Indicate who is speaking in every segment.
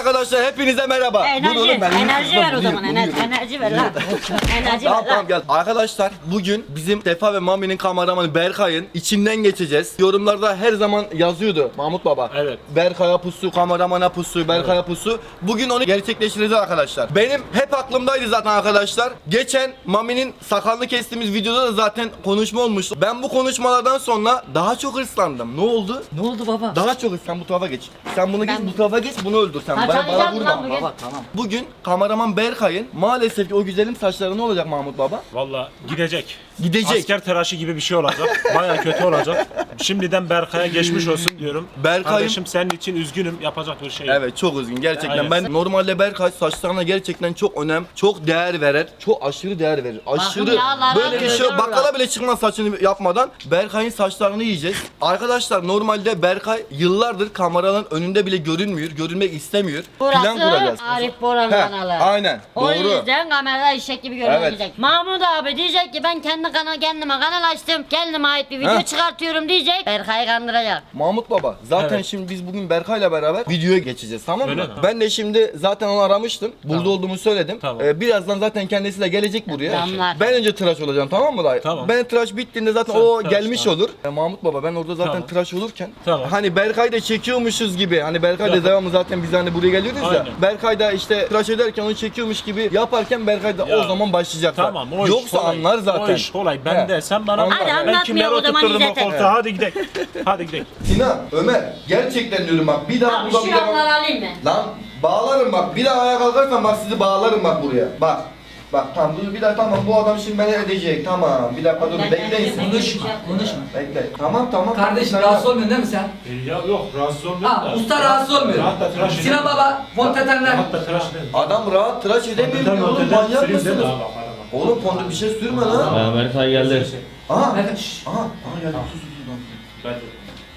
Speaker 1: arkadaşlar hepinize merhaba.
Speaker 2: Enerji ver o zaman. Enerji ver lan. Enerji ver lan.
Speaker 1: Tamam gel. Arkadaşlar bugün bizim Sefa ve Mami'nin kameramanı Berkay'ın içinden geçeceğiz. Yorumlarda her zaman yazıyordu Mahmut Baba.
Speaker 3: Evet.
Speaker 1: Berkay'a pusu, kameramana pusu, Berkay'a pusu. Bugün onu gerçekleştireceğiz arkadaşlar. Benim hep aklımdaydı zaten arkadaşlar. Geçen Mami'nin sakalını kestiğimiz videoda da zaten konuşma olmuştu. Ben bu konuşmalardan sonra daha çok hırslandım. Ne oldu?
Speaker 2: Ne oldu baba?
Speaker 1: Daha çok sen bu tarafa geç. Sen bunu geç, bu tarafa geç, bunu öldür sen. Bana
Speaker 2: Çalışacağım
Speaker 1: vurma.
Speaker 2: lan bugün.
Speaker 4: Baba tamam.
Speaker 1: Bugün kameraman Berkay'ın maalesef ki o güzelim saçları ne olacak Mahmut Baba?
Speaker 3: Valla gidecek.
Speaker 1: Gidecek.
Speaker 3: Asker tıraşı gibi bir şey olacak. Baya kötü olacak. Şimdiden Berkay'a geçmiş olsun diyorum.
Speaker 1: Berkay'ım-
Speaker 3: Kardeşim senin için üzgünüm. Yapacak bir şey yok.
Speaker 1: Evet çok üzgün gerçekten.
Speaker 3: Aynen.
Speaker 1: Ben normalde Berkay saçlarına gerçekten çok önem, çok değer verir. Çok aşırı değer verir. Aşırı
Speaker 2: yağlara
Speaker 1: böyle bir şey
Speaker 2: dönüyorlar.
Speaker 1: bakkala bile çıkmaz saçını yapmadan. Berkay'ın saçlarını yiyeceğiz. Arkadaşlar normalde Berkay yıllardır kameranın önünde bile görünmüyor, görünmek istemiyor. Plan
Speaker 2: Burası
Speaker 1: kuracağız.
Speaker 2: Arif Boran
Speaker 1: He,
Speaker 2: kanalı.
Speaker 1: aynen.
Speaker 2: O
Speaker 1: Doğru.
Speaker 2: yüzden kamerada eşek gibi görünecek. Mahmut abi diyecek ki ben kendime kanal açtım. Kendime ait bir video
Speaker 1: Heh.
Speaker 2: çıkartıyorum diyecek. Berkay'ı kandıracak.
Speaker 1: Mahmut Baba zaten
Speaker 3: Evet.
Speaker 1: şimdi biz bugün Berkay'la beraber videoya geçeceğiz tamam mı?
Speaker 3: Öyle mi?
Speaker 1: Ben de şimdi zaten onu aramıştım. Burada
Speaker 3: Tamam.
Speaker 1: olduğumu söyledim.
Speaker 3: Tamam.
Speaker 1: Birazdan zaten kendisi de gelecek buraya.
Speaker 2: Tamamlar.
Speaker 1: Ben önce tıraş olacağım tamam mı dayı?
Speaker 3: Tamam.
Speaker 1: Ben tıraş bittiğinde zaten
Speaker 3: Sen
Speaker 1: o
Speaker 3: tıraş,
Speaker 1: gelmiş
Speaker 3: tamam.
Speaker 1: olur. Mahmut Baba ben orada zaten
Speaker 3: Tamam.
Speaker 1: tıraş olurken
Speaker 3: Tamam.
Speaker 1: hani Berkay da çekiyormuşuz gibi hani Berkay da
Speaker 3: Yapın.
Speaker 1: devamlı zaten biz hani buraya geliyoruz ya.
Speaker 3: Aynen.
Speaker 1: Berkay da işte tıraş ederken onu çekiyormuş gibi yaparken Berkay da
Speaker 3: Ya.
Speaker 1: o zaman başlayacak.
Speaker 3: Tamam o iş
Speaker 1: Yoksa
Speaker 3: kolay.
Speaker 1: anlar zaten.
Speaker 3: O iş kolay. Ben
Speaker 1: He.
Speaker 3: de sen bana
Speaker 1: Hadi
Speaker 3: ben
Speaker 2: anlatmayalım
Speaker 3: kimleri
Speaker 2: o zaman
Speaker 3: oturtturdum o
Speaker 2: İzzet'e.
Speaker 3: koltuğa. Hadi gidelim. Hadi gidelim.
Speaker 1: Sinan, Ömer gerçekten diyorum bak bir daha
Speaker 2: Abi
Speaker 1: burada
Speaker 2: şu
Speaker 1: bir daha
Speaker 2: yanları alayım mı?
Speaker 1: Lan bağlarım bak bir daha ayağa kalkarsan bak sizi bağlarım bak buraya. Bak. Bak tamam bir daha tamam bu adam şimdi beni edecek tamam bir dakika dur bekleyin siz.
Speaker 4: Konuşma, konuşma.
Speaker 1: Bekle. Tamam.
Speaker 4: Kardeşim
Speaker 1: Sen
Speaker 4: rahatsız
Speaker 1: yap.
Speaker 4: olmuyorsun değil mi sen?
Speaker 3: Ya yok rahatsız olmuyorum
Speaker 4: Ha, usta rahatsız olmuyor.
Speaker 3: Hatta tıraş
Speaker 4: Sinan baba, fontetenler.
Speaker 3: Hatta tıraş edelim.
Speaker 1: Adam rahat tıraş edemiyor
Speaker 3: Fonteten,
Speaker 1: oğlum
Speaker 3: fonteten,
Speaker 1: manyak
Speaker 3: süreyim değil mi?
Speaker 1: mısınız?
Speaker 3: Bak, bak, bak.
Speaker 1: Oğlum fondü bir şey sürme lan.
Speaker 5: Berkay geldi.
Speaker 1: Aha.
Speaker 4: Evet, şşş.
Speaker 1: Aha geldi. Sus.
Speaker 3: Ben de-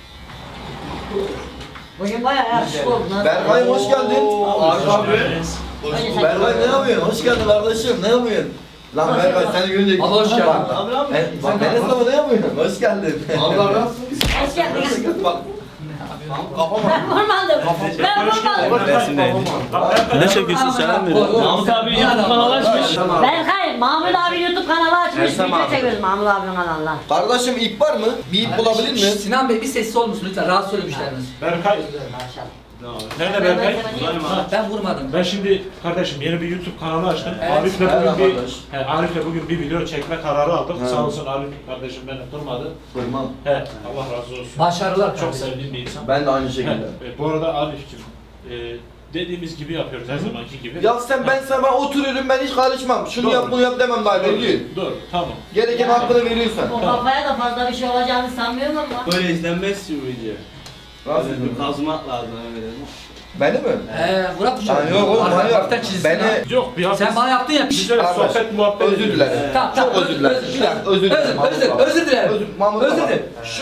Speaker 2: Bugün bayağı yakışıklı oldun ha.
Speaker 1: Berkay hoş geldin. Abi.
Speaker 2: Öyle sen-
Speaker 1: Berkay ne yapıyorsun? Hoş geldin kardeşim. Ne yapıyorsun? Lan Berkay seni görünce...
Speaker 4: Abi hoş geldin.
Speaker 1: Bak Enes baba ne yapıyorsun? Hoş geldin. Allah razı
Speaker 2: Hoş geldin.
Speaker 1: Bak. Kafama.
Speaker 2: Ben vurmadım. Ben vurmadım.
Speaker 5: Ne çekiyorsun sen? Mahmut abi YouTube kanalı açmış.
Speaker 2: Berkay, Mahmut abi YouTube kanalı açmış. Video çekiyoruz Mahmut abinin kanalına.
Speaker 1: Kardeşim ip var mı? Bir ip bulabilir
Speaker 4: Şşş,
Speaker 1: mi?
Speaker 4: Sinan Bey bir sessiz olur musun lütfen? Rahatsız oluyor müşterimiz.
Speaker 3: Berkay.
Speaker 2: Maşallah.
Speaker 3: Nerede Berkay?
Speaker 4: Ben vurmadım.
Speaker 3: Ben şimdi kardeşim yeni bir YouTube kanalı açtım.
Speaker 4: Evet.
Speaker 3: Arif'le
Speaker 1: Merhaba
Speaker 3: bugün bir
Speaker 1: kardeş.
Speaker 3: Arif'le bugün bir video çekme kararı aldık.
Speaker 1: He.
Speaker 3: Sağ olsun Arif kardeşim beni durmadı.
Speaker 1: Fırman.
Speaker 3: He, Allah razı olsun.
Speaker 4: Başarılar
Speaker 3: Çok
Speaker 4: kardeşim.
Speaker 3: sevdiğim bir insan.
Speaker 1: Ben de aynı
Speaker 3: He,
Speaker 1: şekilde.
Speaker 3: bu arada Arif'cim dediğimiz gibi yapıyoruz her zamanki gibi.
Speaker 1: Ya ben sana oturuyorum ben hiç karışmam. Şunu
Speaker 3: Doğru.
Speaker 1: yap bunu yap demem daha veriyor.
Speaker 3: Dur, tamam.
Speaker 1: Gereken hakkını veriyorsun.
Speaker 2: O kafaya da fazla bir şey olacağını sanmıyorum ama.
Speaker 5: Böyle izlenmez ki bu video.
Speaker 1: Nasıl?
Speaker 5: Kazmak lazım öyle değil mi?
Speaker 1: Beni mi?
Speaker 4: Bırak bu
Speaker 1: Lan yok oğlum hayır.
Speaker 4: Hafiften çizsin ha.
Speaker 1: Beni...
Speaker 3: Yok bir hafif.
Speaker 4: Sen bana yaptın ya.
Speaker 3: Güzel
Speaker 1: Arkadaş,
Speaker 3: sohbet muhabbet
Speaker 1: özür
Speaker 3: ediyoruz.
Speaker 1: dilerim.
Speaker 4: Tamam,
Speaker 1: Çok özür dilerim. Bir dakika özür dilerim.
Speaker 4: Özür dilerim.
Speaker 1: Mahmut
Speaker 4: Özür
Speaker 1: baba.
Speaker 4: dilerim.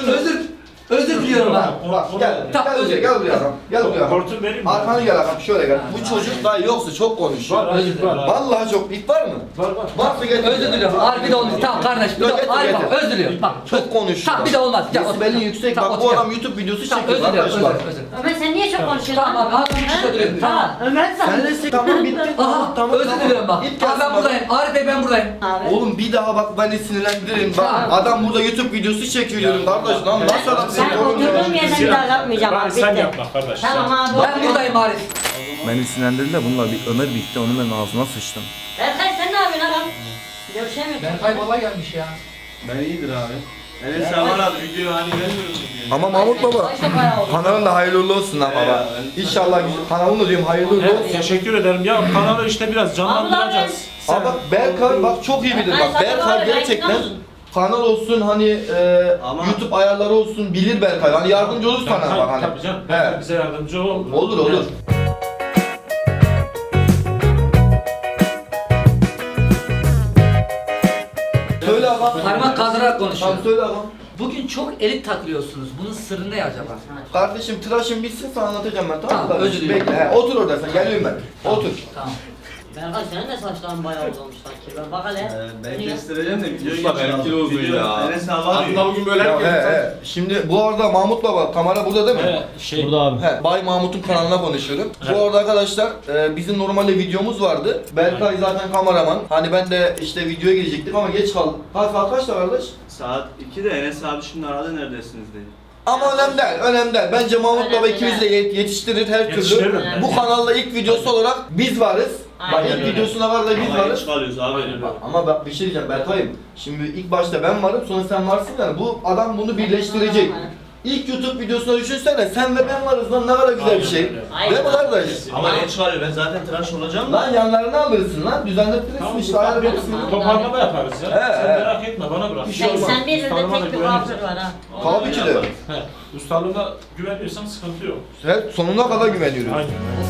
Speaker 4: Özür diliyorum ben.
Speaker 1: Bak gel.
Speaker 4: Tamam,
Speaker 1: Gel
Speaker 4: özür.
Speaker 1: gel buraya adam. Gel buraya adam.
Speaker 3: Hortum vereyim mi?
Speaker 1: Arkanı gel adam şöyle gel. Bu çocuk daha yoksa çok konuşuyor.
Speaker 3: Var, Arif var. Var,
Speaker 1: Vallahi çok ip var mı?
Speaker 3: var.
Speaker 1: Varsa getir.
Speaker 4: Özür diliyorum. Arif bir de olmaz. Tamam kardeş. Bir de
Speaker 1: Getir,
Speaker 4: Arif
Speaker 1: getir.
Speaker 4: bak özür diliyorum. Bak.
Speaker 1: Çok konuşuyor.
Speaker 4: Tamam bir de olmaz. Gel, otur.
Speaker 1: Desibeli yüksek.
Speaker 4: Tamam,
Speaker 1: Bak
Speaker 4: otur,
Speaker 1: bu
Speaker 4: gel.
Speaker 1: adam YouTube videosu
Speaker 4: Tamam
Speaker 1: çekiyor
Speaker 4: özür diliyorum.
Speaker 1: arkadaşlar.
Speaker 4: Özür.
Speaker 2: Ömer sen niye çok konuşuyorsun?
Speaker 4: Tamam abi. Ağzını kuşla duruyorum. Tamam.
Speaker 2: Ömer sen.
Speaker 1: Sen de tamam bitti.
Speaker 4: Aha özür diliyorum bak.
Speaker 1: İp
Speaker 4: Abi
Speaker 1: gelsin
Speaker 4: ben
Speaker 1: bak.
Speaker 4: buradayım. Arif Bey ben buradayım.
Speaker 2: Abi.
Speaker 1: Oğlum bir daha bak beni sinirlendiririm. Bak
Speaker 4: Tamam.
Speaker 1: adam burada YouTube videosu çekiyor diyorum kardeş lan. Nasıl adam
Speaker 2: Sen
Speaker 1: seni oğlum ya?
Speaker 2: oturduğum yerden bir daha yapmayacağım abi.
Speaker 3: Sen
Speaker 2: Bitti.
Speaker 3: yapma kardeş.
Speaker 2: Tamam abi.
Speaker 4: Ben buradayım Arif.
Speaker 1: Beni sinirlendirdiler bunlar bir Ömer bitti onun ben ağzına sıçtım.
Speaker 2: Berkay sen ne yapıyorsun adam? Görüşemiyoruz.
Speaker 4: Berkay baba gelmiş ya.
Speaker 5: Ben iyidir abi. Enes sen var abi video hani vermiyorsun diye.
Speaker 1: Ama Mahmut baba
Speaker 2: Başta bayağı oldu.
Speaker 1: kanalın da hayırlı uğurlu olsun lan baba. İnşallah kanalın da diyorum hayırlı uğurlu
Speaker 3: Evet,
Speaker 1: olsun.
Speaker 3: teşekkür ederim. Ya kanalı işte biraz canlandıracağız.
Speaker 1: Ama bak Berkay bak çok iyi bilir bak Berkay gerçekten kanal olsun hani
Speaker 5: Ama-
Speaker 1: YouTube ayarları olsun bilir Berkay hani yardımcı olur sana bak hani.
Speaker 3: Tabii canım.
Speaker 1: He.
Speaker 3: Bize yardımcı ol.
Speaker 1: Olur. Söyle ağam.
Speaker 4: Parmak kaldırarak
Speaker 1: Tamam
Speaker 4: konuşuyor.
Speaker 1: söyle ağam.
Speaker 4: Bugün çok elit takılıyorsunuz. Bunun sırrı ne acaba?
Speaker 1: Kardeşim tıraşın bitsin sana anlatacağım ben tamam mı?
Speaker 4: Tamam,
Speaker 1: kardeşim?
Speaker 4: özür dilerim.
Speaker 1: Bekle he, otur orada sen geliyorum ben. Otur.
Speaker 4: Tamam.
Speaker 2: Berkay senin de saçların bayağı uzamış sanki. Ben bak hele.
Speaker 5: Ben
Speaker 2: Niye?
Speaker 5: kestireceğim de video
Speaker 1: Usta benimki de uzun ya.
Speaker 5: Enes abi var
Speaker 1: Aslında bugün böyle Şimdi bu arada Mahmut Baba kamera burada değil mi?
Speaker 3: Burada abi.
Speaker 1: He, Bay Mahmut'un kanalına konuşuyorum. Bu arada arkadaşlar bizim normalde videomuz vardı. Berkay zaten kameraman. Hani ben de işte videoya girecektik ama geç kaldım. Saat kaçta kardeş?
Speaker 5: Saat 2'de Enes abi şimdi aradı neredesiniz diye.
Speaker 1: Ama önemli değil, önemli değil. Bence Mahmut Baba
Speaker 2: Önemli
Speaker 1: ikimiz de yetiştirir her
Speaker 3: Yetiştiririm.
Speaker 1: türlü.
Speaker 3: Evet.
Speaker 1: Bu kanalda ilk videosu olarak biz varız. Bak
Speaker 2: Aynen
Speaker 1: ilk
Speaker 3: öyle.
Speaker 1: videosuna var da biz
Speaker 5: Ama
Speaker 1: varız.
Speaker 5: geç kalıyoruz abi.
Speaker 1: Ama bak bir şey diyeceğim Berkay'ım. Şimdi ilk başta ben varım sonra sen varsın yani bu adam bunu birleştirecek. İlk YouTube videosuna düşünsene sen ve ben varız lan ne kadar güzel bir şey.
Speaker 2: Aynen.
Speaker 1: Değil mi kardeş?
Speaker 5: Ama geç kalıyor ben zaten tıraş olacağım da.
Speaker 1: Lan yanlarını alırsın lan düzenlettirirsin
Speaker 3: Tamam,
Speaker 1: işte
Speaker 3: tamam,
Speaker 1: ayarlarsın.
Speaker 2: tamam.
Speaker 3: Toparlama yaparız ya.
Speaker 1: He,
Speaker 3: Sen
Speaker 1: he.
Speaker 3: merak etme bana bırak.
Speaker 1: Bir şey olmaz.
Speaker 2: 81 yılda
Speaker 3: Ustalığıma da
Speaker 2: tek bir
Speaker 3: güveniyorsan.
Speaker 2: kuaför var ha.
Speaker 1: Tabii ki de.
Speaker 3: He. Ustalığına güveniyorsan sıkıntı yok.
Speaker 1: Sen sonuna kadar güveniyoruz.
Speaker 3: Aynen.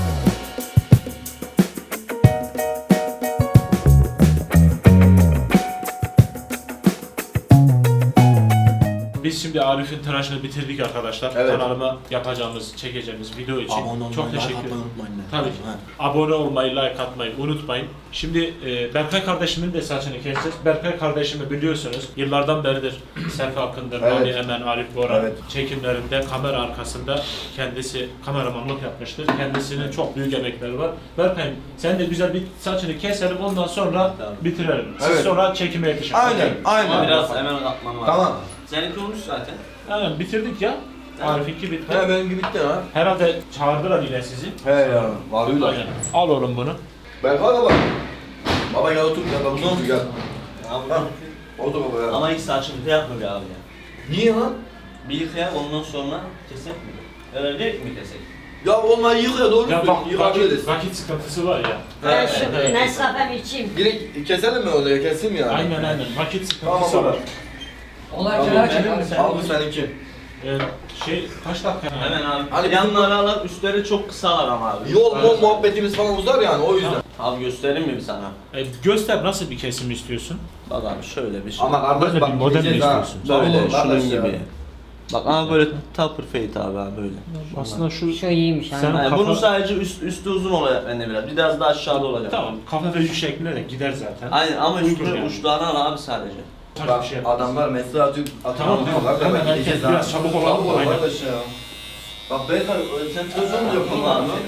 Speaker 3: Biz şimdi Arif'in tıraşını bitirdik arkadaşlar.
Speaker 1: Evet.
Speaker 3: Kanalıma yapacağımız, çekeceğimiz video için çok teşekkür ederim.
Speaker 1: unutmayın.
Speaker 3: Tabii ki. Abone olmayı, like atmayı unutmayın. Şimdi Berkay kardeşimin de saçını keseceğiz. Berkay kardeşimi biliyorsunuz yıllardan beridir Selfie Akın'dır,
Speaker 1: Evet.
Speaker 3: Mami Emen, Arif Boran
Speaker 1: Evet.
Speaker 3: çekimlerinde kamera arkasında kendisi kameramanlık yapmıştır. Kendisinin çok büyük emekleri var. Berkay sen de güzel bir saçını keselim ondan sonra bitirelim. Siz
Speaker 1: Evet.
Speaker 3: sonra çekime yetişin.
Speaker 1: Aynen,
Speaker 5: Ama
Speaker 1: aynen.
Speaker 5: biraz hemen katman var.
Speaker 1: Tamam.
Speaker 5: Seninki olmuş zaten.
Speaker 3: Aynen bitirdik ya. Arif'inki bitti.
Speaker 1: He benim gibi bitti ha.
Speaker 3: Herhalde çağırdılar yine sizi.
Speaker 1: He ya. Varıyorlar.
Speaker 3: Aynen. Al oğlum bunu.
Speaker 1: Berkay baba. Baba gel otur gel baba otur gel. Ha, otur baba ya.
Speaker 5: Ama ilk saçını yapma bir abi ya.
Speaker 1: Niye lan?
Speaker 5: Bir yıkayak ondan sonra kesek mi? Öyle değil mi kesek?
Speaker 1: Ya olmayı yıkaya doğru
Speaker 3: Ya bak
Speaker 1: söylüyorsun. Yıkabiliriz.
Speaker 3: vakit sıkıntısı var ya.
Speaker 2: Ben şu Nescafe'mi içeyim.
Speaker 1: Direkt keselim mi oraya kesim yani?
Speaker 3: Aynen. Vakit
Speaker 1: Tamam
Speaker 3: sıkıntısı
Speaker 1: baba.
Speaker 3: var.
Speaker 4: Onlar
Speaker 1: Tamam,
Speaker 4: merak
Speaker 1: benim
Speaker 4: ediyor.
Speaker 5: sen-
Speaker 1: Al bu seninki.
Speaker 3: Kaç dakika?
Speaker 5: Hemen abi.
Speaker 1: Hani
Speaker 5: Yanları alalım, üstleri çok kısalar ama abi.
Speaker 1: Yol muhabbetimiz falan uzar yani o yüzden.
Speaker 5: Abi göstereyim mi bir sana?
Speaker 3: Göster nasıl bir kesim istiyorsun?
Speaker 5: Bak abi şöyle bir şey.
Speaker 1: Ama kardeş
Speaker 3: Böyle
Speaker 1: bak
Speaker 3: bir model mi
Speaker 1: gideceğiz ha.
Speaker 3: istiyorsun?
Speaker 1: Tabii
Speaker 5: böyle
Speaker 1: oğlum, kardeş
Speaker 5: şunun
Speaker 1: ya.
Speaker 5: gibi. Bak ama böyle tupper fade abi böyle.
Speaker 3: Aslında şu...
Speaker 2: Şu iyiymiş ha.
Speaker 3: Sen-
Speaker 5: Yani
Speaker 3: Kafa-
Speaker 5: bunu sadece üstü uzun olacak bende biraz da aşağıda olacak.
Speaker 3: Tamam, kafa ve yüz şekline de gider zaten.
Speaker 5: Aynen ama
Speaker 3: Uygun yani.
Speaker 5: uçlarını al abi sadece.
Speaker 3: Tabii
Speaker 1: Bak
Speaker 3: bir şey yapmaz.
Speaker 1: adamlar mesaj atıyor.
Speaker 3: Tamam, hemen herkes biraz çabuk olalım,
Speaker 1: Çabuk
Speaker 3: aynen.
Speaker 1: arkadaş ya. Bak Berkay sen tıraş olmayacak mı abi?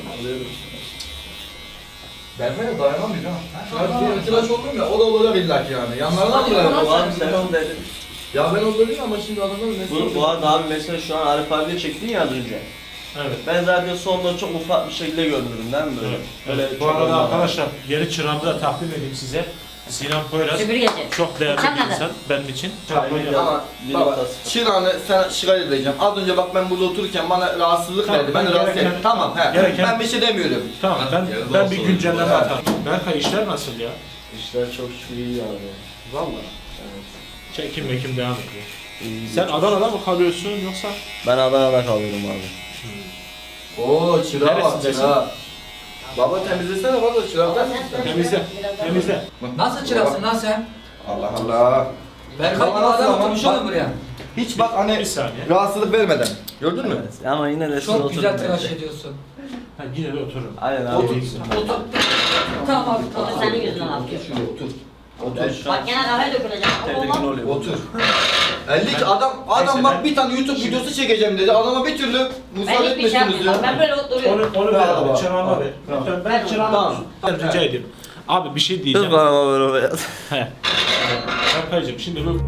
Speaker 1: Berkay'a dayanamıyor ha. Benim tıraş oldum ya o da olacak illaki yani. Yanlarına mı dayanamıyor?
Speaker 5: Abi sen onu dedin.
Speaker 1: Ya ben olabilirim ama şimdi adamlar mesaj
Speaker 5: Bu arada abi mesela şu an Arif abiyle çektin ya az önce.
Speaker 3: Evet.
Speaker 5: Ben zaten sonda çok ufak bir şekilde görünürüm değil mi böyle?
Speaker 3: Evet.
Speaker 5: Öyle
Speaker 3: Bu
Speaker 5: çok
Speaker 3: arada
Speaker 5: olmaz.
Speaker 3: arkadaşlar yeni çırağımı da takdim edeyim size. Sinan Poyraz.
Speaker 2: Süpürgeci.
Speaker 3: Çok değerli
Speaker 2: Sen
Speaker 3: bir
Speaker 2: nerede?
Speaker 3: insan benim için.
Speaker 1: Ama baba Çırağan'ı sana şikayet edeceğim. Az önce bak ben burada otururken bana rahatsızlık
Speaker 3: Tamam,
Speaker 1: verdi. Ben de
Speaker 3: ben
Speaker 1: rahatsız
Speaker 3: gereken-
Speaker 1: ettim. Tamam he.
Speaker 3: gereken-
Speaker 1: Ben bir şey demiyorum.
Speaker 3: Tamam ben bir güncelleme
Speaker 1: Evet.
Speaker 3: atarım. Berkay işler nasıl ya?
Speaker 5: İşler çok iyi abi.
Speaker 3: Vallahi. Çekim devam ediyor. Sen Adana'da mı kalıyorsun yoksa?
Speaker 5: Ben Adana'da kalıyorum abi.
Speaker 1: Oo çırağa bak
Speaker 3: Neresindesin?
Speaker 1: çırağa. Baba temizlesene baba çıraktan.
Speaker 3: Temizle.
Speaker 4: Nasıl çırasın lan sen?
Speaker 1: Allah Allah.
Speaker 4: Berkay
Speaker 1: Baba
Speaker 4: bu
Speaker 1: nasıl
Speaker 4: adam
Speaker 1: ama?
Speaker 4: oturmuş
Speaker 1: Bak-
Speaker 4: oğlum buraya.
Speaker 1: Hiç bak hani
Speaker 3: Bir saniye.
Speaker 1: rahatsızlık vermeden. Gördün mü?
Speaker 5: Evet. Ama yine de
Speaker 4: Çok güzel tıraş ediyorsun.
Speaker 3: Ha, yine de otururum.
Speaker 5: Aynen abi.
Speaker 1: Otur.
Speaker 4: Otur. Tamam abi
Speaker 2: Otur
Speaker 4: tamam.
Speaker 2: senin yüzünden al.
Speaker 1: Şuraya otur.
Speaker 5: Ben şu an
Speaker 2: Bak gene kahve dökülecek.
Speaker 5: tedirgin
Speaker 2: Olmaz.
Speaker 5: oluyorum.
Speaker 1: Otur. 50 adam
Speaker 3: Neyse,
Speaker 1: bak
Speaker 3: ben-
Speaker 1: bir tane YouTube videosu çekeceğim dedi. Adama bir türlü
Speaker 2: Ben
Speaker 1: müsaade
Speaker 2: hiçbir şey
Speaker 1: etmiyorsunuz
Speaker 2: yapmıyorum. Ben
Speaker 1: ya.
Speaker 2: böyle oturuyorum.
Speaker 3: Onu ver
Speaker 1: Tamam.
Speaker 3: abi. Çırağıma
Speaker 1: Tamam.
Speaker 3: ver.
Speaker 1: Tamam.
Speaker 3: Lütfen ben çırağıma
Speaker 1: Tamam.
Speaker 3: ben rica edeyim. Abi bir şey diyeceğim.
Speaker 5: Kız bana böyle beyaz.
Speaker 3: He. Berkay'cığım şimdi bu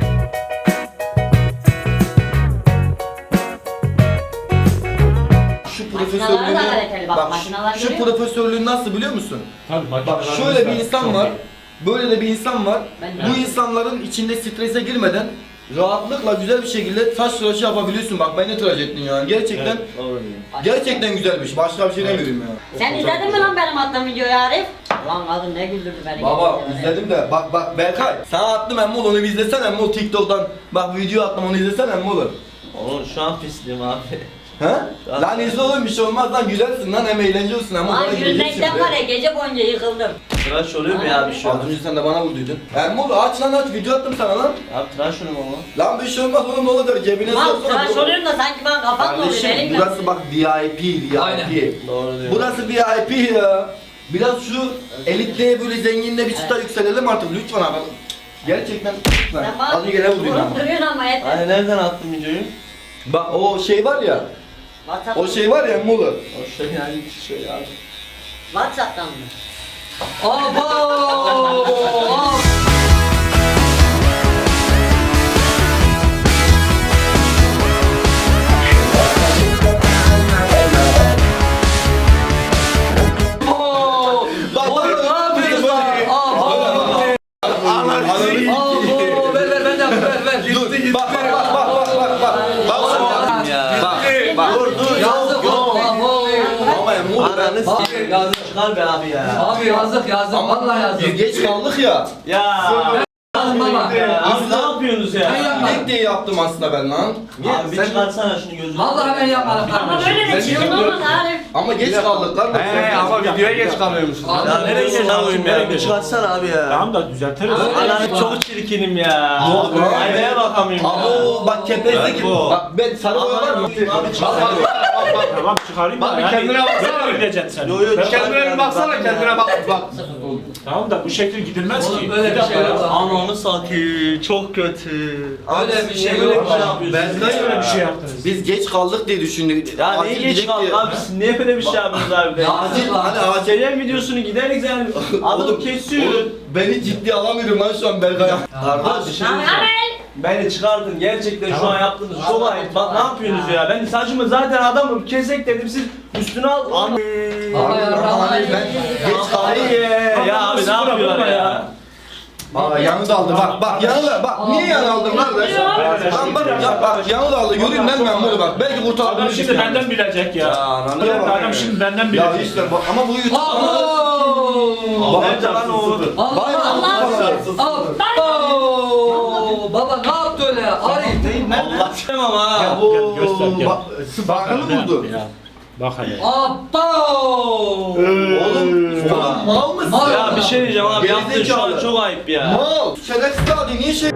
Speaker 1: Şu
Speaker 2: Makinaları da
Speaker 1: profesörlüğünü
Speaker 2: kaliteli bak,
Speaker 1: bak
Speaker 2: makinalar
Speaker 1: şu
Speaker 2: görüyor musun?
Speaker 1: profesörlüğü nasıl biliyor musun?
Speaker 3: tabii
Speaker 1: Bak
Speaker 3: makinelerimiz
Speaker 1: şöyle bir
Speaker 3: var.
Speaker 1: insan
Speaker 3: Çok
Speaker 1: var.
Speaker 3: iyi.
Speaker 1: Böyle de bir insan var.
Speaker 2: Ben de.
Speaker 1: Bu insanların içinde strese girmeden rahatlıkla güzel bir şekilde saç tıraşı yapabiliyorsun. Bak beni tıraş ettin yani. Gerçekten
Speaker 5: Doğru diyor.
Speaker 1: gerçekten güzelmiş. Başka bir şey demiyorum ya.
Speaker 2: Sen izledin mi lan benim attığım videoyu Arif? Lan kadın ne güldürdü beni.
Speaker 1: Baba
Speaker 2: gerçekten.
Speaker 1: izledim de bak Berkay sana attım emmol onu bir izlesene emmol TikTok'tan bak video attım onu izlesene emmol.
Speaker 5: Oğlum şu an pisliğim abi.
Speaker 1: He? Lan izle oğlum bir şey olmaz lan gülersin lan hem eğlence olsun ama
Speaker 2: Lan
Speaker 1: bana güleceksin.
Speaker 2: gülmekten var ya gece boyunca yıkıldım.
Speaker 5: Tıraş oluyor mu ya bir şey
Speaker 1: Az
Speaker 5: olmaz.
Speaker 1: önce sen de bana vurduydun. Emmol aç lan aç video attım sana lan.
Speaker 5: Abi tıraş oluyor mu?
Speaker 1: Lan bir şey olmaz oğlum ne olacak cebine
Speaker 2: Lan
Speaker 1: soksana.
Speaker 2: tıraş oluyorum da sanki ben kafam doluyor
Speaker 1: Kardeşim
Speaker 2: elimle.
Speaker 1: burası bak VIP.
Speaker 4: Aynen.
Speaker 5: Doğru diyor.
Speaker 1: Burası VIP ya. Biraz şu elitliğe böyle zenginliğe bir çıta yükselelim artık lütfen abi. Gerçekten lütfen.
Speaker 2: Sen bak,
Speaker 1: Hadi gene vurayım ama.
Speaker 2: Duruyorsun ama yeter.
Speaker 5: Hani nereden attın videoyu?
Speaker 1: Bak o şey var ya.
Speaker 2: WhatsApp.
Speaker 1: O şey var ya Muğla.
Speaker 5: O şey yani şey abi.
Speaker 2: WhatsApp'tan mı?
Speaker 4: Abo!
Speaker 1: Bak bak
Speaker 4: Ne yapıyorsun lan? Abo! Ver ver ben de yapayım ver.
Speaker 1: dur. Bak bak bak bak bak bak. Bak
Speaker 5: Ya.
Speaker 1: bak.
Speaker 5: Dur
Speaker 4: Yazık
Speaker 5: yok.
Speaker 4: abo!
Speaker 1: Ama ya Muğla ben.
Speaker 5: Ananı s**eyim yazık çıkar be abi ya.
Speaker 4: Abi yazık vallahi yazık.
Speaker 1: Biz geç kaldık ya.
Speaker 5: Ya.
Speaker 4: Yazık baba.
Speaker 5: Abi ne yapıyorsunuz ya?
Speaker 4: Ben yapmadım.
Speaker 1: Gidek diye yaptım aslında ben lan.
Speaker 5: Abi bir çıkarsana şunu gözünü.
Speaker 4: Vallahi ben yapmadım
Speaker 2: Ama
Speaker 4: kardeşim.
Speaker 2: böyle de çirkin olmaz Arif.
Speaker 1: Ama geç kaldık lan.
Speaker 6: ama videoya geç kalıyormuşuz.
Speaker 5: Ya nereye geçiyorsun ya? Bir çıkarsana abi ya.
Speaker 3: Tamam da düzeltiriz.
Speaker 5: Ananı çok çirkinim ya.
Speaker 1: Yok be.
Speaker 5: Aynaya bakamıyorum ya.
Speaker 1: Abo bak kepezdeki.
Speaker 5: Ben bu.
Speaker 1: Bak ben sarı boya var mı?
Speaker 5: Abi çıkar.
Speaker 3: Tamam çıkarayım
Speaker 6: Bak
Speaker 3: da
Speaker 6: bir
Speaker 3: yani.
Speaker 6: kendine baksana.
Speaker 3: Böyle gideceksin sen.
Speaker 5: Yo, yo,
Speaker 3: Ben-
Speaker 5: çıkar.
Speaker 6: Kendine bir baksana, kendine bak.
Speaker 3: Tamam da bu şekil gidilmez
Speaker 4: Oğlum
Speaker 3: ki.
Speaker 4: böyle bir şey yok.
Speaker 5: Ananı satayım. Çok kötü.
Speaker 4: Öyle bir şey
Speaker 5: Böyle
Speaker 4: yok.
Speaker 5: bir şey yapıyorsunuz.
Speaker 1: Ben
Speaker 3: Niye öyle bir şey yaptınız?
Speaker 1: Biz geç kaldık diye düşündük.
Speaker 5: Ya
Speaker 1: Acil
Speaker 5: neyi geç
Speaker 1: gidecek
Speaker 5: kaldın
Speaker 1: diye.
Speaker 5: abi siz niye böyle bir şey yapıyorsunuz abi?
Speaker 4: Ya
Speaker 1: Acil
Speaker 4: acil lan.
Speaker 1: hani acil.
Speaker 5: Acelen videosunu gideriz yani. Adam
Speaker 1: Oğlum,
Speaker 5: kesiyor.
Speaker 1: oğlum, beni ciddi alamıyorum lan şu an Berkay.
Speaker 5: Abi
Speaker 1: Kardeş.
Speaker 5: bir şey
Speaker 2: Tamam
Speaker 5: diyeceğim.
Speaker 2: Amel.
Speaker 5: Beni çıkardın gerçekten şu
Speaker 3: Tamam.
Speaker 5: an yaptığınız çok ayıp. Bak ne yapıyorsunuz ya? Ben saçımı zaten adamım kesek dedim siz üstüne al.
Speaker 4: Baba ya
Speaker 1: Ben geç kaldım.
Speaker 5: Ya abi ne yapıyorlar ya?
Speaker 1: Aa yanı da aldı bak yanı bak niye yanı aldın kardeş? Lan bak ya bak yanı da aldı göreyim lan ben bunu bak belki
Speaker 3: Adam
Speaker 1: kurtarabiliriz.
Speaker 3: şimdi benden bilecek ya.
Speaker 1: ananı
Speaker 3: Evet,
Speaker 1: bak.
Speaker 3: adam şimdi benden
Speaker 1: Ya
Speaker 3: bilecek.
Speaker 1: işte bak ama bu YouTube
Speaker 4: Abo!
Speaker 5: Nerede lan o?
Speaker 1: Vay
Speaker 4: Allah! Abo! Baba ne yaptı öyle ya? Arif.
Speaker 5: Allah istemem ha.
Speaker 1: Ya bu
Speaker 3: Gel, göster, gel.
Speaker 1: Spark'ı mı buldu?
Speaker 3: Ya. Bak hele.
Speaker 4: Abo!
Speaker 1: Oğlum mal mısın?
Speaker 4: Mal.
Speaker 5: Ya bir şey diyeceğim abi yaptığın şu an
Speaker 1: Gerizekalı.
Speaker 5: çok ayıp ya.
Speaker 1: Mal. Şerefsiz abi niye şey?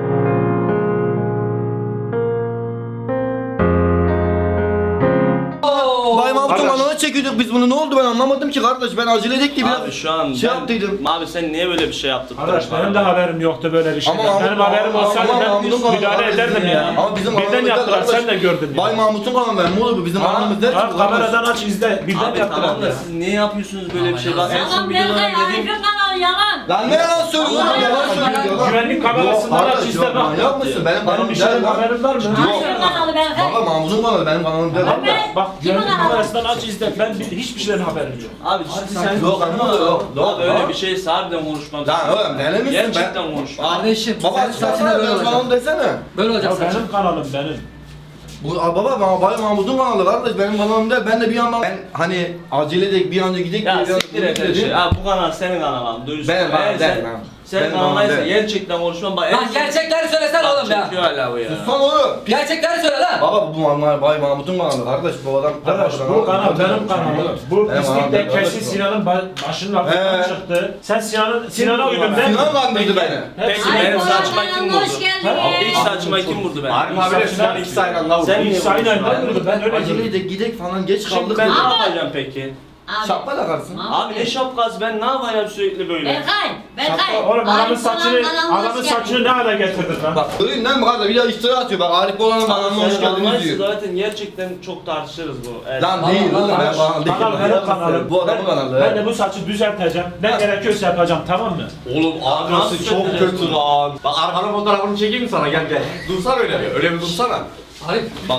Speaker 1: Bay Mahmut'un
Speaker 3: Kardeş.
Speaker 1: ananı çekiyorduk biz bunu ne oldu ben anlamadım ki kardeş ben acele edek diye
Speaker 5: Abi
Speaker 1: biraz
Speaker 5: şu an
Speaker 1: şey
Speaker 5: ben-
Speaker 1: yaptıydım.
Speaker 5: Abi sen niye böyle bir şey yaptın?
Speaker 3: Arkadaş benim de haberim yoktu böyle bir şeyden.
Speaker 1: Ama-
Speaker 3: Benim haberim
Speaker 1: ama-
Speaker 3: olsaydı
Speaker 1: ama
Speaker 3: ben
Speaker 1: Mahmut'un kanalı
Speaker 3: müdahale
Speaker 1: var
Speaker 3: ederdim
Speaker 1: bizim
Speaker 3: ya.
Speaker 1: Ama bizim
Speaker 3: Birden
Speaker 1: aramızda
Speaker 3: yaptılar
Speaker 1: kardeş,
Speaker 3: sen de gördün ya.
Speaker 1: Bay Mahmut'un kanalı ben ne olur bu bizim aramız der ki
Speaker 3: Ha,
Speaker 1: bu kardeş.
Speaker 3: kameradan aç izle. Birden
Speaker 5: Abi
Speaker 3: yaptılar
Speaker 5: tamam da
Speaker 3: ya.
Speaker 5: siz niye yapıyorsunuz böyle bir şey? Bak en son
Speaker 2: Yalan
Speaker 5: videoda
Speaker 2: Berkay
Speaker 5: dediğim
Speaker 2: Arif'in kanalı yalan.
Speaker 1: Lan ne yalan söylüyorsun
Speaker 2: Allah
Speaker 1: yalan
Speaker 2: Allah.
Speaker 1: söylüyor yalan.
Speaker 3: Güvenlik kamerasından
Speaker 1: Yok,
Speaker 3: aç
Speaker 1: kardeş,
Speaker 3: izle
Speaker 1: yok,
Speaker 3: bak.
Speaker 1: manyak mısın? Benim
Speaker 3: Benim
Speaker 1: kanalım
Speaker 3: bir
Speaker 1: der
Speaker 3: şeyden
Speaker 1: lan.
Speaker 3: haberim var mı?
Speaker 2: Arif'in kanalı Berkay.
Speaker 1: Baba Mahmut'un kanalı benim kanalım der.
Speaker 2: Ahmet.
Speaker 3: Bak
Speaker 2: Kim
Speaker 3: güvenlik
Speaker 2: o?
Speaker 3: kamerasından aç izle. Ben hiçbir şeyden haberim yok.
Speaker 5: Abi ciddi sen
Speaker 1: Yok, anlamadım, yok, yok,
Speaker 5: Abi öyle
Speaker 1: yok.
Speaker 5: bir şeyse harbiden konuşmam.
Speaker 1: Lan oğlum deli misin ben?
Speaker 5: Gerçekten konuşmam.
Speaker 4: Kardeşim
Speaker 1: Baba
Speaker 4: senin saçına
Speaker 1: saçına
Speaker 4: böyle
Speaker 1: benim kanalım
Speaker 4: olacak.
Speaker 1: desene.
Speaker 4: Böyle olacak
Speaker 3: Ya
Speaker 4: saçın.
Speaker 3: benim kanalım benim.
Speaker 1: Bu baba Bay Mahmut'un kanalı kardeş benim kanalım der. Ben de bir yandan ben hani acele edek bir an önce gidek
Speaker 5: Ya
Speaker 1: diye bir an
Speaker 5: siktir et her şey. Abi bu kanal senin kanalın. Dürüst.
Speaker 1: Benim kanalım
Speaker 5: Eğer
Speaker 1: der
Speaker 5: sen-
Speaker 1: lan.
Speaker 5: Sen
Speaker 1: Benim kanalım
Speaker 5: kanalıysa
Speaker 1: der.
Speaker 5: gerçekten konuşmam. Bak en
Speaker 4: Lan
Speaker 5: son-
Speaker 4: gerçekleri söylesene oğlum ya.
Speaker 5: Çekiyor hala bu ya.
Speaker 1: Son oğlum.
Speaker 4: Gerçekleri söyle lan.
Speaker 1: Baba bu Bay Mahmut'un kanalı kardeş bu adam.
Speaker 3: Arkadaş bu kanal benim kanalım. Bu
Speaker 1: Benim
Speaker 3: pislik
Speaker 1: kanalım,
Speaker 3: de
Speaker 1: benim
Speaker 3: kesin Sinan'ın başının altından
Speaker 1: He.
Speaker 3: çıktı. Sen Sinan'a uydun değil mi?
Speaker 1: Sinan kandırdı beni.
Speaker 5: Peki
Speaker 2: Ay,
Speaker 5: benim
Speaker 2: bu
Speaker 5: saçma
Speaker 2: arada
Speaker 5: kim
Speaker 2: hoş
Speaker 5: vurdu?
Speaker 2: geldiniz.
Speaker 5: İlk saçma kim vurdu ben?
Speaker 6: Arif abi de Sinan ikisi aynı anda vurdu.
Speaker 5: Sen niye
Speaker 3: İkisi aynı
Speaker 5: vuruyorsun
Speaker 3: anda
Speaker 5: abi?
Speaker 3: vurdu. Ben öyle
Speaker 1: Acele
Speaker 3: dedim.
Speaker 1: edek gidek falan geç
Speaker 5: Şimdi
Speaker 1: kaldık.
Speaker 5: ben ne
Speaker 2: Abi.
Speaker 5: yapacağım peki?
Speaker 2: Abi.
Speaker 1: Şapka takarsın.
Speaker 5: Abi ne şapkası ben ne yapacağım sürekli böyle?
Speaker 2: Berkay.
Speaker 3: Oğlum adamın
Speaker 2: Arif
Speaker 3: saçını,
Speaker 2: Boran kanalına hoş
Speaker 3: adamın
Speaker 2: geldin.
Speaker 3: saçını ne hale getirdin lan?
Speaker 1: Bak göreyim lan bu kadar bir daha iftira atıyor bak Arif Bolan'ın kanalına hoş geldiniz diyor.
Speaker 5: Zaten gerçekten çok tartışırız bu. Evet.
Speaker 1: Lan değil oğlum ben bana değil.
Speaker 3: Kanal benim kanalım.
Speaker 1: Bu adamın kanalı.
Speaker 3: Ben de bu saçı düzelteceğim. Ne gerekiyorsa yapacağım tamam mı?
Speaker 6: Oğlum
Speaker 5: Nasıl
Speaker 6: abi çok
Speaker 5: söylüyorsun?
Speaker 6: kötü lan. Bak arkanın fotoğrafını çekeyim mi sana gel. Dursana öyle bir. Öyle bir dursana.
Speaker 4: Arif.
Speaker 6: Bak.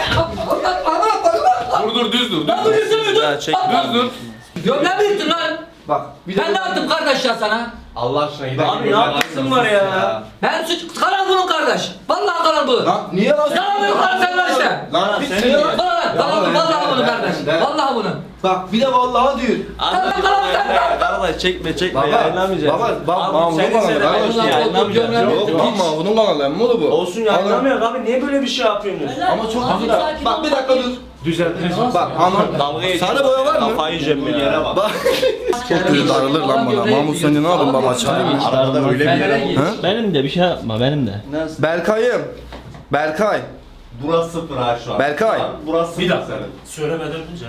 Speaker 6: Dur düz dur.
Speaker 4: Lan dur yürüsene dur.
Speaker 5: Ya çek.
Speaker 6: Düz dur.
Speaker 4: Gömleğimi yırttın lan.
Speaker 1: Bak bir de
Speaker 4: Ben ne yaptım kardeş ya sana?
Speaker 6: Allah aşkına gidelim.
Speaker 5: Abi ne yapıyorsun var ya?
Speaker 4: Ben suç kanal bunun kardeş. Vallahi kanal bu.
Speaker 1: Lan niye lan?
Speaker 4: Kanal bunun kardeş sen lan işte.
Speaker 1: Lan bir
Speaker 5: Senin
Speaker 1: şey
Speaker 5: ya.
Speaker 1: lan.
Speaker 4: Kanal bunun vallahi bunun kardeş. Vallahi bunun.
Speaker 1: Bak bir de vallahi diyor.
Speaker 5: Anladım. Vallahi çekme
Speaker 1: Baba,
Speaker 5: yayınlamayacağız.
Speaker 1: baba, bak,
Speaker 5: Abi,
Speaker 1: Mahmut'un
Speaker 5: senin
Speaker 1: kanalı,
Speaker 5: sene
Speaker 1: kardeş
Speaker 5: ben
Speaker 4: ya.
Speaker 5: yayınlamayacağız.
Speaker 4: Yok,
Speaker 1: Yok lan Mahmut'un kanalı emmi oğlu bu.
Speaker 5: Olsun yayınlamıyor abi niye böyle bir şey yapıyorsunuz?
Speaker 1: Ama çok
Speaker 2: Abi,
Speaker 1: güzel.
Speaker 2: sakin
Speaker 1: Bak
Speaker 2: ol,
Speaker 1: bir dakika
Speaker 2: sakin.
Speaker 1: dur.
Speaker 3: Düzelteceğim.
Speaker 1: Bak ama
Speaker 5: Dalga geçiyor.
Speaker 1: sarı boya var mı?
Speaker 5: Kafayı yiyeceğim ya.
Speaker 1: Bak. Çok kötü darılır lan bana. Mahmut sen de ne yapıyorsun baba çalayım mı?
Speaker 6: Arada öyle bir yere vur.
Speaker 1: Ha?
Speaker 7: Benim de bir şey yapma benim de.
Speaker 5: Nasıl?
Speaker 1: Berkay'ım. Berkay.
Speaker 6: Burası sıfır ha şu an.
Speaker 1: Berkay.
Speaker 6: Burası sıfır
Speaker 3: Bir dakika.
Speaker 6: senin.
Speaker 3: Söylemeden önce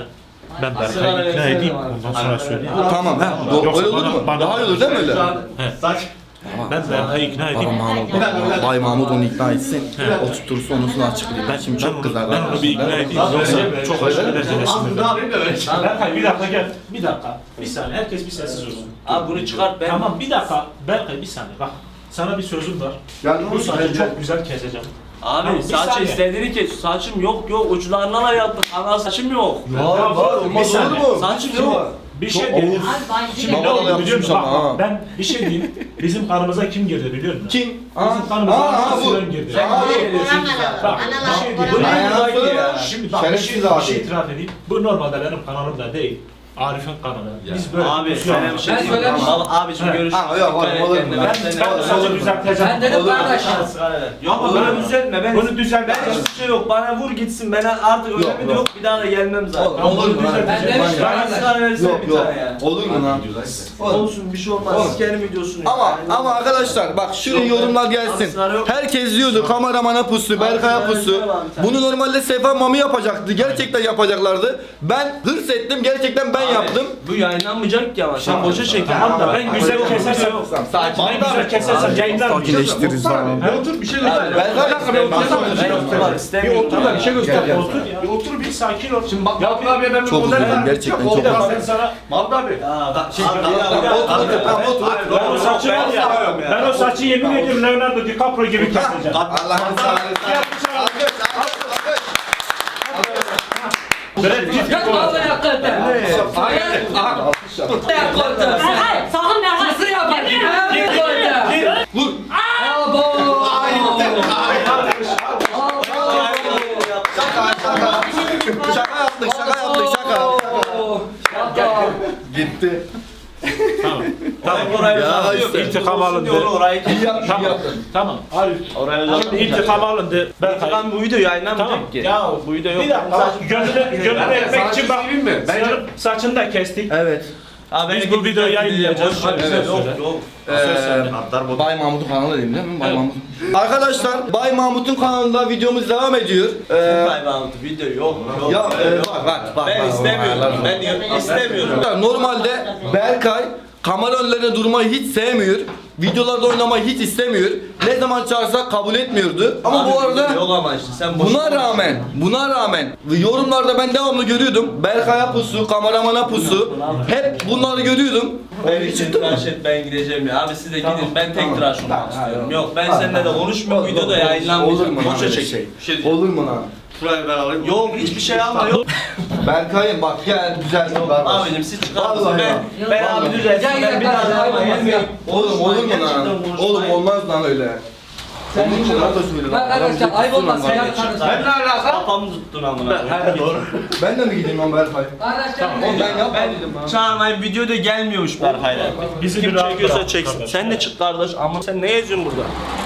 Speaker 3: Ben Berkay'ı ikna edeyim. Ondan sonra söyleyeyim.
Speaker 1: Tamam ha.
Speaker 3: Yoksa
Speaker 1: Öyle olur mu?
Speaker 3: bana-
Speaker 1: Daha iyi olur değil mi öyle?
Speaker 6: Saç.
Speaker 3: Ben Berkay'ı ikna edeyim.
Speaker 1: Bay Mahmut onu ikna etsin. Oturtursa onusunu açıklayayım. Ben şimdi çok kızar.
Speaker 3: Ben onu bir ikna edeyim. Yoksa çok aşırı derecesinde.
Speaker 6: Ne yapayım da böyle.
Speaker 3: Berkay bir dakika gel. Bir dakika. Bir saniye. Herkes bir sessiz olsun.
Speaker 5: Abi bunu çıkart ben.
Speaker 3: Tamam bir dakika. Berkay bir saniye bak. Sana bir sözüm var.
Speaker 1: Ya
Speaker 3: Bu saçı çok güzel keseceğim.
Speaker 5: Abi
Speaker 3: Tamam, bir
Speaker 5: saçı
Speaker 3: saniye.
Speaker 5: istediğini kes. Saçım yok uçlarından da yaptık. Ana saçım yok.
Speaker 1: Var olmaz olur mu?
Speaker 5: Saçım yok.
Speaker 3: Bir şey diyeyim.
Speaker 2: Abi ben
Speaker 3: Şimdi
Speaker 1: Baba
Speaker 3: ne
Speaker 1: da
Speaker 3: oldu biliyor
Speaker 1: yapmışmış
Speaker 3: musun? Bak,
Speaker 1: ama ha.
Speaker 3: bak, ben bir şey diyeyim. Bizim kanımıza kim girdi biliyor musun?
Speaker 1: Kim?
Speaker 3: Bizim kanımıza Sinan girdi.
Speaker 1: Aa, bu.
Speaker 3: Bak bir şey diyeyim.
Speaker 1: Ayağına söyle.
Speaker 3: Şimdi bak bir
Speaker 1: Şerefsiz
Speaker 3: şey
Speaker 1: abi.
Speaker 3: itiraf edeyim. Bu normalde benim kanalım da değil. Arif'in kanalı. Biz böyle
Speaker 5: Abi
Speaker 3: pusuyor
Speaker 5: sana bir şey
Speaker 4: Ben
Speaker 5: diyeyim.
Speaker 4: söylemiştim.
Speaker 5: Abiciğim görüşürüz.
Speaker 1: Ha, yok, olur mu?
Speaker 3: Ben saçı düzelteceğim.
Speaker 4: Ben dedim kardeş.
Speaker 5: Yok bunu düzeltme. Ben
Speaker 3: Bunu düzeltme.
Speaker 5: Ben hiçbir şey yok. Bana vur gitsin. Ben artık öyle
Speaker 1: Yok,
Speaker 5: mi yok. Bir daha da gelmem zaten.
Speaker 1: Olur mu?
Speaker 4: Ben demiştim
Speaker 5: Ben
Speaker 4: kardeş.
Speaker 5: sigara versene
Speaker 1: Yok
Speaker 5: bir
Speaker 1: yok.
Speaker 5: tane ya.
Speaker 1: Olur mu lan?
Speaker 5: Olsun bir şey olmaz.
Speaker 1: Oğlum.
Speaker 5: Siz kendi videosunu
Speaker 1: Ama arkadaşlar bak şuraya yorumlar gelsin. Herkes diyordu kameramana pusu, Berkay'a pusu. Bunu normalde Sefa Mami yapacaktı. Gerçekten yapacaklardı. Ben hırs ettim. Gerçekten ben yaptım.
Speaker 5: Bu yayınlanmayacak ki ama sen boşa çek.
Speaker 3: Tamam da ben güzel kesersem.
Speaker 1: Sakin.
Speaker 3: Ben güzel kesersem yayınlanmayacak.
Speaker 1: Sakinleştiririz falan.
Speaker 6: Otur bir şey göster.
Speaker 1: Berkay
Speaker 6: Bir otur da bir şey göster.
Speaker 1: Gel.
Speaker 3: Otur ya. Bir otur bir sakin ol.
Speaker 6: Şimdi bak Mahmut abiye ben bir
Speaker 1: Çok
Speaker 6: model
Speaker 1: üzüldüm, gerçekten çok
Speaker 3: Ya
Speaker 1: üzüldüm.
Speaker 3: ben sana
Speaker 6: Mahmut abi.
Speaker 3: ben o saçı var ya. Ben o saçı yemin ediyorum Leonardo DiCaprio gibi keseceğim.
Speaker 1: Allah'ın sağlığı.
Speaker 3: Brad Pitt
Speaker 4: Yok
Speaker 3: gibi olacak.
Speaker 4: vallahi hakikaten. Hakikaten.
Speaker 2: Berkay sakın Berkay.
Speaker 4: Nasıl yapar? Hakikaten.
Speaker 1: Vur.
Speaker 4: Abo.
Speaker 1: Şaka yaptık, şaka yaptık, şaka. Gitti.
Speaker 3: Tamam. Tamam.
Speaker 5: Orayı
Speaker 1: Ya
Speaker 5: uzatıyor.
Speaker 1: işte.
Speaker 3: İntikam alındı.
Speaker 5: Orayı kes.
Speaker 3: Tamam. Tamam. Arif.
Speaker 5: Orayı uzatıyor.
Speaker 3: İntikam alındı. Berkay.
Speaker 5: Ben bu video yayınlanmayacak
Speaker 3: Tamam.
Speaker 5: ki.
Speaker 3: Ya
Speaker 5: Bu video yok.
Speaker 3: bir dakika. Gönlünü etmek için bak.
Speaker 6: Söyleyeyim mi? Bence
Speaker 3: Saçını da kestik.
Speaker 1: Evet.
Speaker 3: Biz bu videoyu yayınlayacağız.
Speaker 1: Evet.
Speaker 5: Yok.
Speaker 1: Bay Mahmut'un kanalı değil mi? Bay Mahmut. Arkadaşlar Bay Mahmut'un kanalında videomuz devam ediyor.
Speaker 5: Video yok.
Speaker 1: Ya bak.
Speaker 5: Ben istemiyorum. Ben istemiyorum.
Speaker 1: Normalde Berkay kamera önlerine durmayı hiç sevmiyor. Videolarda oynamayı hiç istemiyor. Ne zaman çağırsak kabul etmiyordu. Ama bu arada
Speaker 5: Yok ama işte sen boş.
Speaker 1: buna rağmen yorumlarda ben devamlı görüyordum. Berkay'a pusu, kameramana pusu. Hep bunları görüyordum.
Speaker 5: Ben hiç tıraş et ben gideceğim ya. Abi siz de gidin ben tek tıraş olmak istiyorum. Yok ben seninle de konuşmuyorum videoda
Speaker 1: Olur
Speaker 5: yayınlanmayacak.
Speaker 1: mu lan
Speaker 5: Boşa
Speaker 1: öyle
Speaker 5: çek.
Speaker 1: şey?
Speaker 5: Bir şey diyeceğim.
Speaker 1: Olur mu lan?
Speaker 6: şurayı ben alayım.
Speaker 5: Yok hiçbir şey alma yok.
Speaker 1: Berkay'ım bak gel güzel bir kardeş.
Speaker 5: Abicim siz çıkartın.
Speaker 1: Vallahi
Speaker 5: Ben abi düzelsin.
Speaker 4: Gel,
Speaker 5: Ben
Speaker 4: gel,
Speaker 5: bir daha
Speaker 4: gel,
Speaker 5: alma
Speaker 4: gel,
Speaker 5: gelmiyorum.
Speaker 1: Oğlum olur mu lan? Oğlum olmaz lan öyle.
Speaker 4: Sen
Speaker 1: Onun için da söyle lan.
Speaker 4: arkadaşlar ayıp olmaz.
Speaker 1: Adam
Speaker 4: Ya
Speaker 1: ciddi
Speaker 4: kardeşim.
Speaker 6: Ben ne alaka?
Speaker 5: Kafamı tuttun amına. Doğru.
Speaker 1: Ben de mi gideyim lan Berkay?
Speaker 4: Arkadaşlar.
Speaker 1: Oğlum ben yapmadım.
Speaker 5: Çağırmayın videoda gelmiyormuş Berkay'la.
Speaker 3: Bizi
Speaker 5: Kim
Speaker 3: bir rahat
Speaker 5: çekiyorsa
Speaker 3: bırak
Speaker 5: çeksin.
Speaker 3: kardeş.
Speaker 5: Sen de çık kardeş ama sen ne yazıyorsun burada?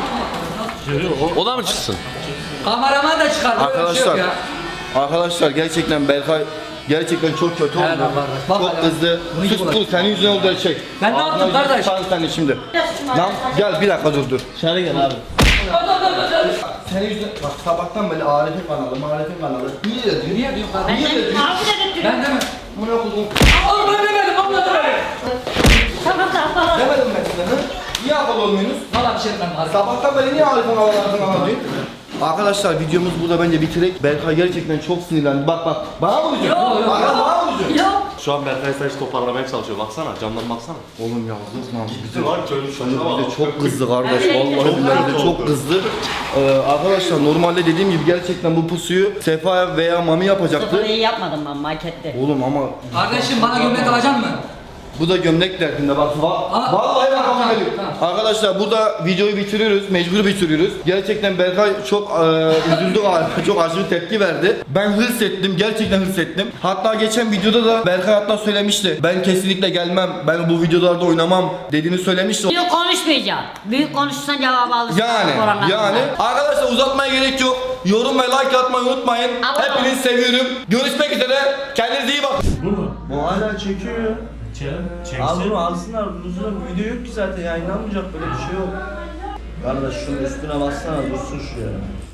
Speaker 6: O da mı çıksın?
Speaker 4: Kameraman da çıkar. Böyle bir şey
Speaker 1: Arkadaşlar,
Speaker 4: yok ya.
Speaker 1: arkadaşlar gerçekten Berkay gerçekten çok kötü oldu.
Speaker 4: Evet, kardeş. Bak
Speaker 1: Çok
Speaker 4: hele.
Speaker 1: kızdı.
Speaker 4: Bunu
Speaker 1: Sus
Speaker 4: gibi
Speaker 1: dur senin yüzünden oldu her şey.
Speaker 4: Ben ne
Speaker 1: Ağzına
Speaker 4: yaptım
Speaker 1: yüzüne
Speaker 4: kardeş?
Speaker 1: sıçarım seni şimdi. Lan gel bir dakika dur.
Speaker 5: Dışarı gel abi.
Speaker 1: Senin yüzünden bak sabahtan beri Arif'in kanalı, Marif'in kanalı. Niye dedin?
Speaker 4: Niye diyorsun
Speaker 2: Ben
Speaker 4: kardeşim?
Speaker 2: de abi dedim.
Speaker 4: Ben de mi?
Speaker 1: Bunu okudum.
Speaker 4: Oğlum ben demedim. Abla demedim.
Speaker 2: Tamam tamam.
Speaker 1: Demedim ben size. Hı? Niye akıl olmuyorsunuz?
Speaker 4: Valla bir şey demem abi.
Speaker 1: Sabahtan beri niye Arif'in kanalı diyor? Arkadaşlar videomuz burada bence bitirek. Berkay gerçekten çok sinirlendi. Bak bana mı vuracaksın?
Speaker 4: Yok.
Speaker 1: Bana mı vuracaksın?
Speaker 2: Yok.
Speaker 6: Şu an Berkay saç toparlamaya çalışıyor. Baksana camdan baksana.
Speaker 1: Oğlum yalnız lan.
Speaker 6: Bizi var çocuk
Speaker 1: Bir de çok kızdı kardeş. Vallahi billahi de çok kızdı. Arkadaşlar normalde dediğim gibi gerçekten bu pusuyu Sefa veya Mami yapacaktı.
Speaker 2: Sıfırı iyi yapmadım ben markette.
Speaker 1: Oğlum ama
Speaker 4: Kardeşim bana gömlek alacak mısın?
Speaker 1: bu da gömlek derdinde bak. Vallahi bak
Speaker 4: tamam,
Speaker 1: geliyor.
Speaker 4: tamam.
Speaker 1: Arkadaşlar burada videoyu bitiriyoruz. Mecbur bitiriyoruz. Gerçekten Berkay çok üzüldü galiba. Çok aşırı tepki verdi. Ben hırs ettim. Gerçekten hırs ettim. Hatta geçen videoda da Berkay hatta söylemişti. Ben kesinlikle gelmem. Ben bu videolarda oynamam dediğini söylemişti.
Speaker 2: Büyük konuşmayacağım. Büyük konuşsan cevabı alırsın.
Speaker 1: Yani arkadaşlar uzatmaya gerek yok. Yorum ve like atmayı unutmayın.
Speaker 2: Ama-
Speaker 1: Hepinizi seviyorum. Görüşmek üzere. Kendinize iyi bakın.
Speaker 3: Bu mu?
Speaker 5: Bu hala çekiyor ya. Al
Speaker 3: Çeksin.
Speaker 5: bunu alsınlar. Uzun video yok ki zaten yayınlanmayacak böyle bir şey yok. Kardeş şunun üstüne bassana dursun şuraya.